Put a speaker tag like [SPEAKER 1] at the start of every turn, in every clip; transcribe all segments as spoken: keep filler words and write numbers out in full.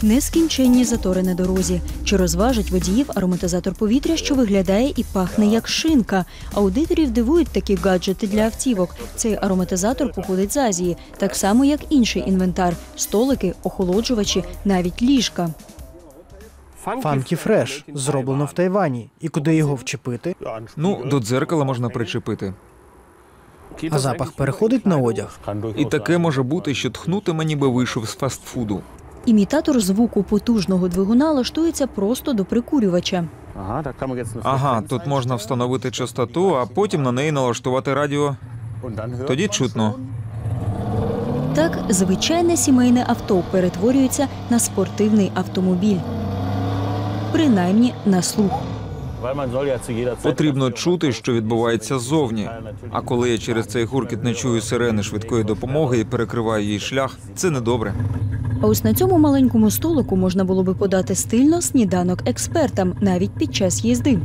[SPEAKER 1] Нескінченні затори на дорозі. Чи розважить водіїв ароматизатор повітря, що виглядає і пахне як шинка? Аудиторів дивують такі гаджети для автівок. Цей ароматизатор походить з Азії, так само як інший інвентар – столики, охолоджувачі, навіть ліжка.
[SPEAKER 2] Funky Fresh. Зроблено в Тайвані. І куди його вчепити?
[SPEAKER 3] Ну, до дзеркала можна причепити.
[SPEAKER 2] А запах переходить на одяг?
[SPEAKER 3] І таке може бути, що тхнутиме, ніби вийшов з фастфуду.
[SPEAKER 1] Імітатор звуку потужного двигуна лаштується просто до прикурювача.
[SPEAKER 3] Ага, тут можна встановити частоту, а потім на неї налаштувати радіо. Тоді чутно.
[SPEAKER 1] Так, звичайне сімейне авто перетворюється на спортивний автомобіль. Принаймні на слух.
[SPEAKER 3] Потрібно чути, що відбувається ззовні. А коли я через цей гуркіт не чую сирени швидкої допомоги і перекриваю їй шлях, це недобре.
[SPEAKER 1] А ось на цьому маленькому столику можна було би подати стильно сніданок експертам, навіть під час їзди.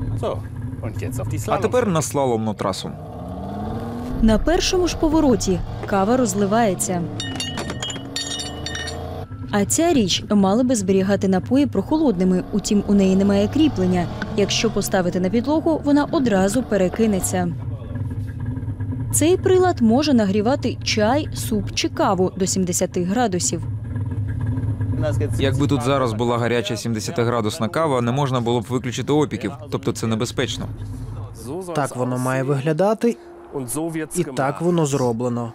[SPEAKER 3] А тепер на слаломну трасу.
[SPEAKER 1] На першому ж повороті кава розливається. А ця річ мала би зберігати напої прохолодними, утім у неї немає кріплення. Якщо поставити на підлогу, вона одразу перекинеться. Цей прилад може нагрівати чай, суп чи каву до сімдесяти градусів.
[SPEAKER 3] Якби тут зараз була гаряча сімдесятиградусна кава, не можна було б виключити опіків, тобто це небезпечно.
[SPEAKER 2] Так воно має виглядати, і так воно зроблено.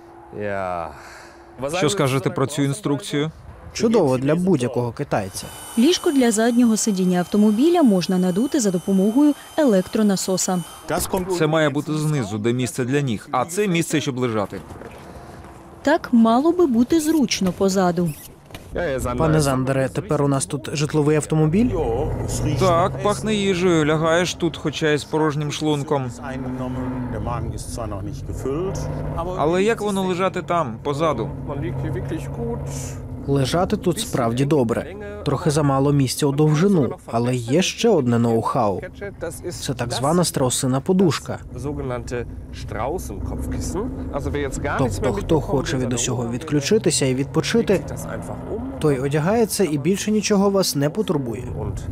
[SPEAKER 3] Що скажете про цю інструкцію?
[SPEAKER 2] Чудово для будь-якого китайця.
[SPEAKER 1] Ліжко для заднього сидіння автомобіля можна надути за допомогою електронасоса.
[SPEAKER 3] Це має бути знизу, де місце для ніг, а це місце, щоб лежати.
[SPEAKER 1] Так мало би бути зручно позаду.
[SPEAKER 2] Пане Зандере, тепер у нас тут житловий автомобіль?
[SPEAKER 3] Так, пахне їжею, лягаєш тут, хоча й з порожнім шлунком. Але як воно лежати там, позаду?
[SPEAKER 2] Лежати тут справді добре. Трохи замало місця у довжину, але є ще одне ноу-хау. Це так звана страусина подушка. Тобто, хто хоче від усього відключитися і відпочити, той одягає це і більше нічого вас не потурбує.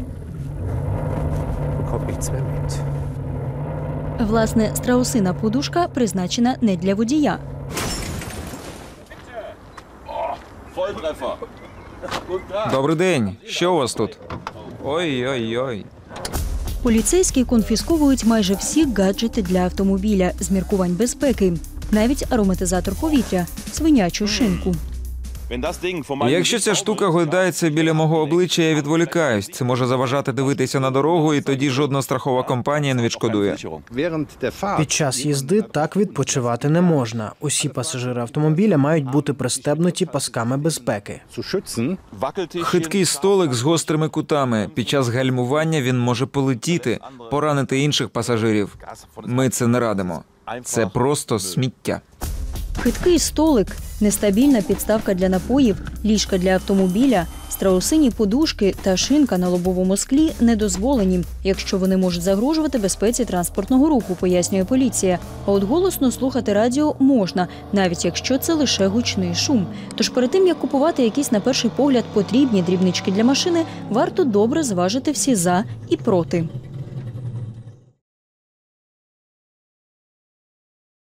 [SPEAKER 1] Власне, страусина подушка призначена не для водія.
[SPEAKER 3] Добрий день. Що у вас тут? Ой-ой-ой.
[SPEAKER 1] Поліцейські конфісковують майже всі гаджети для автомобіля з міркувань безпеки. Навіть ароматизатор повітря, свинячу шинку.
[SPEAKER 3] Якщо ця штука гойдається біля мого обличчя, я відволікаюсь. Це може заважати дивитися на дорогу, і тоді жодна страхова компанія не відшкодує.
[SPEAKER 2] Під час їзди так відпочивати не можна. Усі пасажири автомобіля мають бути пристебнуті пасками безпеки.
[SPEAKER 3] Хиткий столик з гострими кутами. Під час гальмування він може полетіти, поранити інших пасажирів. Ми це не радимо. Це просто сміття.
[SPEAKER 1] Хиткий столик, нестабільна підставка для напоїв, ліжка для автомобіля, страусині подушки та шинка на лобовому склі не дозволені, якщо вони можуть загрожувати безпеці транспортного руху, пояснює поліція. А от голосно слухати радіо можна, навіть якщо це лише гучний шум. Тож перед тим, як купувати якісь на перший погляд потрібні дрібнички для машини, варто добре зважити всі «за» і «проти».